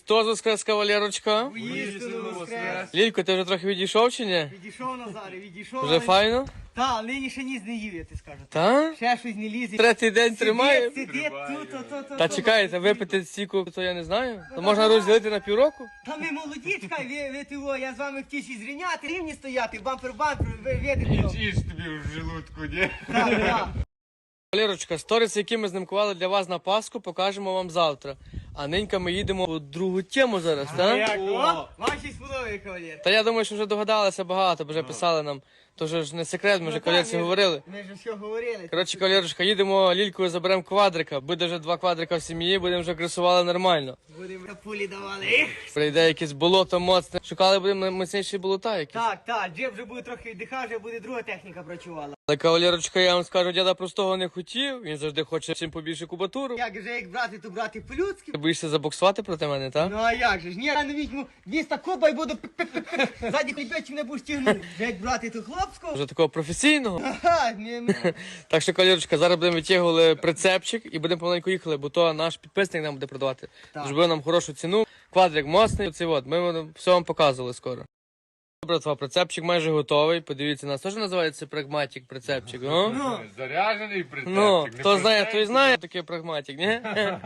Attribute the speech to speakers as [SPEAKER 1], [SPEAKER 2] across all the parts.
[SPEAKER 1] Христос воскрес, кавалерочка.
[SPEAKER 2] Воістину воскрес.
[SPEAKER 1] Лілько, ти вже трохи відійшов чи ні?
[SPEAKER 2] Відійшов, Назаре, відійшов.
[SPEAKER 1] Вже файно?
[SPEAKER 2] Та, нині ще ніс не їв, я ти скажу.
[SPEAKER 1] Та?
[SPEAKER 2] Ще щось не лізе.
[SPEAKER 1] Третій день тримає.
[SPEAKER 2] Сидить тут.
[SPEAKER 1] Та чекайте, випити стільки, то я не знаю. То можна розділити на півроку?
[SPEAKER 2] Та ми молоді, чекай, ви того, я з вами хотів зрівняти, рівні стояти, бампер-бампер, ви видите.
[SPEAKER 3] Їж тобі в желудку, ні?
[SPEAKER 2] Так.
[SPEAKER 1] Валерочка, сторіси, які ми знімкували для вас на Пасху, покажемо вам завтра. А нинька ми їдемо у другу тему зараз, так?
[SPEAKER 2] Як, о, ваші сподобає, кавалер.
[SPEAKER 1] Та я думаю, що вже догадалися багато, бо вже писали нам. То ж не секрет, ми вже кавалерці говорили.
[SPEAKER 2] Ми ж все говорили.
[SPEAKER 1] Коротше, кавалерочка, їдемо лількою, заберемо квадрика. Буде вже 2 квадрика в сім'ї, будемо вже кресували нормально.
[SPEAKER 2] Будемо на пулі давали.
[SPEAKER 1] Прийде якесь болото моцне. Шукали будемо міцніші болота якісь.
[SPEAKER 2] Так, джеб вже буде трохи віддихав, вже буде друга техніка працювала.
[SPEAKER 1] Але кавалерочка, я вам скажу, дяда простого не хотів. Він завжди хоче всім побільше кубатуру.
[SPEAKER 2] Як же як брати, то брати по-людськи.
[SPEAKER 1] Ти боїшся забоксувати проти мене, так?
[SPEAKER 2] Ну а як же ж? Ні, я не візьму 200 коба і буду ззаді прибечі мене будеш тягнути. Як брати ту хлопську?
[SPEAKER 1] Вже такого професійного.
[SPEAKER 2] Ага,
[SPEAKER 1] Так що, кавалерочка, зараз будемо витягували прицепчик і будемо помаленьку їхали, бо то наш підписник нам буде продавати.
[SPEAKER 2] Так.
[SPEAKER 1] Зробив нам хорошу ціну. Квадрик моцний, оцей от. Ми все вам показували скоро. Братва, прицепчик майже готовий. Подивіться, нас теж називається прагматик прицепчик.
[SPEAKER 2] Ну.
[SPEAKER 3] Заряджений прицепчик.
[SPEAKER 1] Ну,
[SPEAKER 3] не
[SPEAKER 1] хто знає,
[SPEAKER 3] простенький.
[SPEAKER 1] той знає такий прагматик, ні?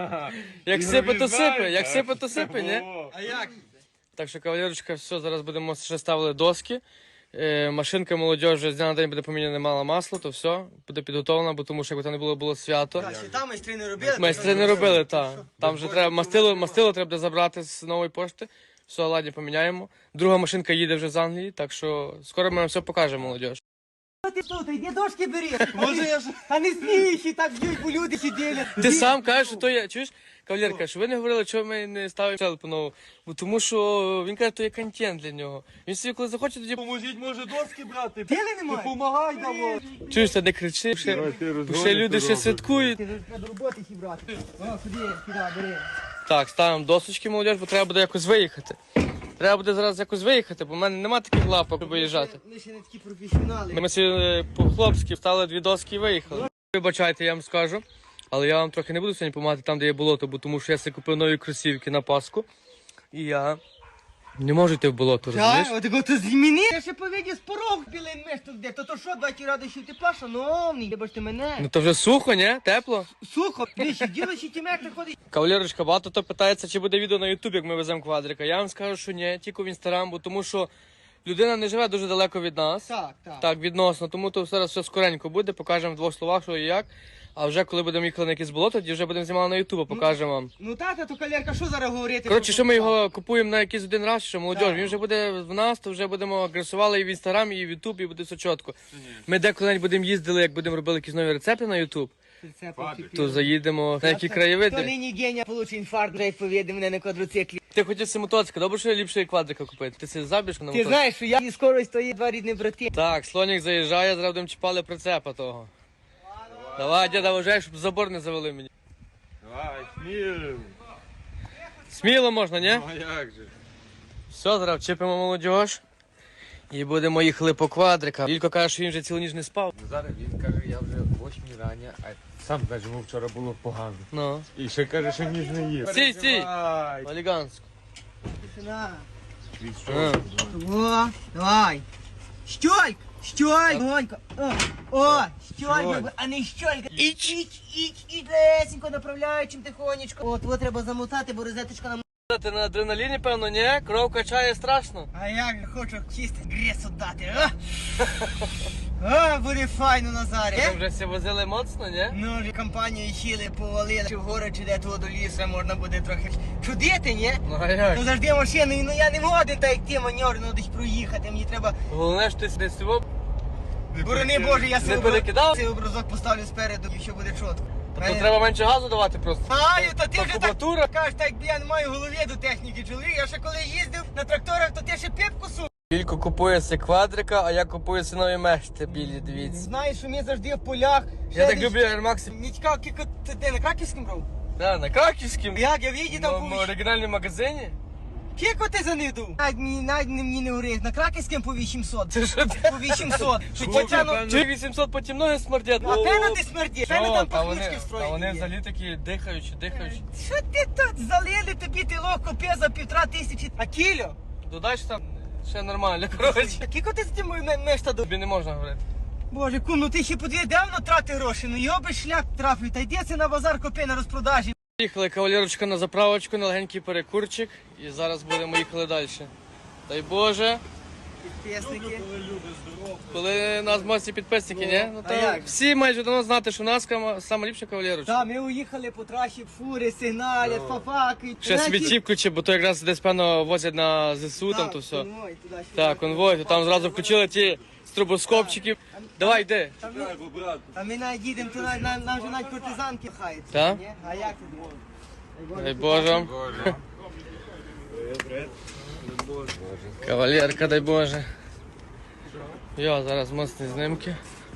[SPEAKER 1] Як сипе, то сипе, як сипе, то сипе, ні?
[SPEAKER 3] О,
[SPEAKER 2] А як?
[SPEAKER 1] Так що, кавалерочка, все, зараз будемо ще ставили доски. Машинка молодіжі з дня на день буде поміняне мало масло, то все, буде підготовлено, бо тому що якби там не було свято.
[SPEAKER 2] Так, ще там майстри не робили.
[SPEAKER 1] Майстри не робили, так. Там вже треба мастило треба буде забрати з нової пошти. Все, ладні, поміняємо. Друга машинка їде вже з Англії, так що скоро ми вам все покажемо, молодіж.
[SPEAKER 2] Ти що, ти йди дошки бери. Може я ж... Та не смійся, так б'ють, бо люди сиділи.
[SPEAKER 1] Ти сам кажеш, що то є, чуєш, кавалерка, що ви не говорили, чого ми не ставимо челепу нову. Бо тому що він каже, то є контент для нього. Він собі коли захоче, тоді
[SPEAKER 3] Поможіть, може, доски брати.
[SPEAKER 2] Діли немає.
[SPEAKER 3] Помагай давай.
[SPEAKER 1] чуєш, та не кричи, ще люди ще святкують.
[SPEAKER 2] Ти ж треба до роботи брати. О, сюди, бери.
[SPEAKER 1] Так, ставимо досочки, молодіж, бо треба буде якось виїхати. Треба буде зараз якось виїхати, бо в мене нема таких лапок, щоб виїжджати.
[SPEAKER 2] Ми ще не такі професіонали.
[SPEAKER 1] Ми сьогодні по-хлопськи встали 2 доски і виїхали. Вибачайте, я вам скажу, але я вам трохи не буду сьогодні допомагати там, де є болото, бо тому що я собі купив нові кросівки на Пасху. І я не можу йти в болото, розумієш?
[SPEAKER 2] Так, отако то зміни. Я ще повідів з порог білий меш тут де. То що, 2 ради, що тепла, шановний, вибачте мене.
[SPEAKER 1] Ну то вже сухо, ні? Тепло?
[SPEAKER 2] Сухо, дивись, діло ще ті метри ходить.
[SPEAKER 1] Кавалерочка, багато хто питається, чи буде відео на Ютуб, як ми веземо квадрика. Я вам скажу, що ні, тільки в Інстаграм, бо тому що людина не живе дуже далеко від нас.
[SPEAKER 2] Так.
[SPEAKER 1] Так, відносно, тому то зараз все скоренько буде, покажемо в 2 словах, що і як. А вже коли будемо їхати на якесь болото, тоді вже будемо знімати на Ютуб, покажемо вам.
[SPEAKER 2] Ну тата, то калерка, що зараз говорити?
[SPEAKER 1] Коротше, що ми його купуємо на якийсь один раз, що молодіж, він вже буде в нас, то вже будемо агресували і в Інстаграмі, і в Ютуб, і буде все чітко. Ми деколи будемо їздили, як будемо робили якісь нові рецепти на Ютуб, то заїдемо на які
[SPEAKER 2] То
[SPEAKER 1] краєвиди.
[SPEAKER 2] нині геня получить інфаркт, вже як повіде мене на квадроциклі.
[SPEAKER 1] Ти хотів си мотоцикл, добре, що ліпше квадрика купити. Ти си забіж на
[SPEAKER 2] Ти
[SPEAKER 1] мотоцикл.
[SPEAKER 2] знаєш, що я і скорость, то є 2 рідні брати.
[SPEAKER 1] Так, слонік заїжджає, зараз будемо чіпали прицепа того. Давай, діда, вважай, щоб забор не завели мені.
[SPEAKER 3] Давай, сміло.
[SPEAKER 1] Сміло можна, ні?
[SPEAKER 3] Ну, а як же?
[SPEAKER 1] Все, зараз вчепимо молодіж. І будемо їхали по квадрика. Лілько каже, що він вже цілу ніч не спав.
[SPEAKER 3] Зараз він каже, я вже в 8 рання, а сам каже, йому вчора було погано.
[SPEAKER 1] Ну.
[SPEAKER 3] І ще каже, що ніж не їв.
[SPEAKER 1] Стій.
[SPEAKER 3] Давай.
[SPEAKER 1] Оліганську.
[SPEAKER 2] Тишина.
[SPEAKER 1] А.
[SPEAKER 2] О, давай. Щольк, Гонька. О, щольк, а не щолька. Іч, лесенько, направляючим тихонечко. От треба замотати, бо розеточка нам...
[SPEAKER 1] Ти на адреналіні, певно, ні? Кров качає страшно.
[SPEAKER 2] А як же хочу чисто гресу дати, а? Буде файно, Назарі.
[SPEAKER 1] Ми вже всі возили моцно, ні?
[SPEAKER 2] Ну, вже компанію їли, повалили, чи вгору, чи де того до лісу, можна буде трохи чудити, ні?
[SPEAKER 1] Ну а як?
[SPEAKER 2] То завжди машиною, ну я не годен, так як ти маневр, ну десь проїхати, мені треба...
[SPEAKER 1] Головне, що ти десь цього
[SPEAKER 2] Борони Боже, я
[SPEAKER 1] не перекидав?
[SPEAKER 2] цей образок поставлю спереду і все буде чітко.
[SPEAKER 1] То треба менше газу давати просто.
[SPEAKER 2] Аю, то ти
[SPEAKER 1] Та
[SPEAKER 2] вже так
[SPEAKER 1] кубатура.
[SPEAKER 2] кажеш, так якби я не маю в голові до техніки, чоловік. Я ще коли їздив на тракторах, то ти ще піпку сув.
[SPEAKER 1] Лілько купує си квадрика, а я купую си нові мешти білі, дивіться.
[SPEAKER 2] Знаєш, що ми завжди в полях.
[SPEAKER 1] Я так люблю Air Max.
[SPEAKER 2] Мені цікаво, кілько ти на Краківському брав?
[SPEAKER 1] Да, на Краківському.
[SPEAKER 2] Як, я віді там
[SPEAKER 1] В
[SPEAKER 2] був.
[SPEAKER 1] оригінальному магазині.
[SPEAKER 2] Кіко ти занидув? Навіть мені не говориш, на Краківським по 800.
[SPEAKER 1] Це що ти?
[SPEAKER 2] По 800. Що тяну?
[SPEAKER 1] Чи 800 потім ноги смердять?
[SPEAKER 2] А певно ти смердиш, певно там
[SPEAKER 1] а вони,
[SPEAKER 2] пахнучки
[SPEAKER 1] а вони
[SPEAKER 2] встроєні є.
[SPEAKER 1] взагалі такі дихаючі.
[SPEAKER 2] Що ти тут залили тобі ти ловко п'є за 1500? А кіло?
[SPEAKER 1] Додач там ще нормально, коротше.
[SPEAKER 2] Кіко ти з тим мешта до...
[SPEAKER 1] Тобі не можна говорити.
[SPEAKER 2] Боже, кум, ну ти ще подивись, давно трати гроші, ну його би шлях трафив, та йдеться на базар копи на розпродажі.
[SPEAKER 1] Їхали кавалерочка на заправочку, на легенький перекурчик. І зараз будемо їхали далі. Дай Боже,
[SPEAKER 2] Підписники.
[SPEAKER 1] коли нас мості підписники, ні? Ну,
[SPEAKER 2] а
[SPEAKER 1] то
[SPEAKER 2] як?
[SPEAKER 1] всі мають давно знати, що у нас саме ліпша кавалерочка.
[SPEAKER 2] Та, ми уїхали по трасі, фури, сигналять, фафаки.
[SPEAKER 1] Ще свічі включи, бо то якраз десь певно возять на ЗСУ, там то все. Так, конвой, то там зразу включили ті стробоскопчики. Давай, йди.
[SPEAKER 2] А ми навіть їдемо, то нам вже навіть партизанки хають.
[SPEAKER 1] Та?
[SPEAKER 2] ні? А як ти думаєш?
[SPEAKER 1] Дай Боже. Кавалерка, дай Боже. Йо, зараз мостні знімки.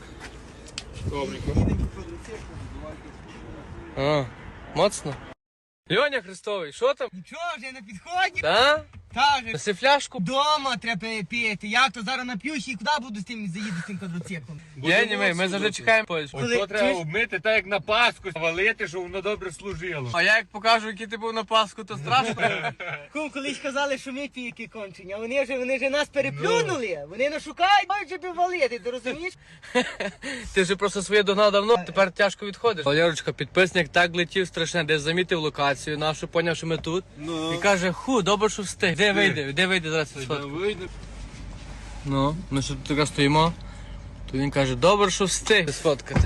[SPEAKER 1] О, моцно. Льоня Христовий, що там?
[SPEAKER 2] Нічого, вже на підході.
[SPEAKER 1] Та?
[SPEAKER 2] Та вже.
[SPEAKER 1] Неси фляжку?
[SPEAKER 2] Дома треба пити. Як то зараз нап'юсь і куди буду з тим заїду з тим квадроциклом?
[SPEAKER 1] Ні, ми завжди чекаємо поїзд.
[SPEAKER 2] Коли-
[SPEAKER 3] Ото треба
[SPEAKER 2] чуєш?
[SPEAKER 3] обмити так, як на Пасху, валити, щоб воно добре служило.
[SPEAKER 1] А я як покажу, який ти був на Пасху, то страшно.
[SPEAKER 2] Кум, колись казали, що ми піки кончені, а вони вже нас переплюнули. Вони нас шукають, мають же валити, ти розумієш?
[SPEAKER 1] Ти вже просто своє догнав давно, тепер тяжко відходиш. Валерочка, підписник так летів страшне, десь замітив локацію нашу, поняв, що ми тут. І каже, добре, що встиг. Де вийде зараз сфотку? Ну, ми що тут така стоїмо. То він каже, добре, що встиг сфоткати.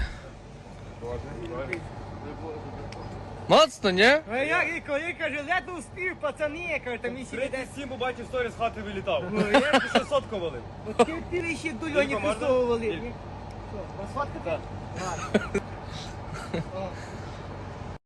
[SPEAKER 1] Моцно, ні?
[SPEAKER 2] А як і коли каже, ледве успів, пацани, каже, там і сіде десь.
[SPEAKER 4] 37 побачив сторіс з хати вилітав.
[SPEAKER 2] Ну, я-
[SPEAKER 4] Ще сотку валив.
[SPEAKER 2] От ти ще до Льоні
[SPEAKER 4] можна?
[SPEAKER 2] Христового валив. Ні? Що, розфоткати? Ладно. О,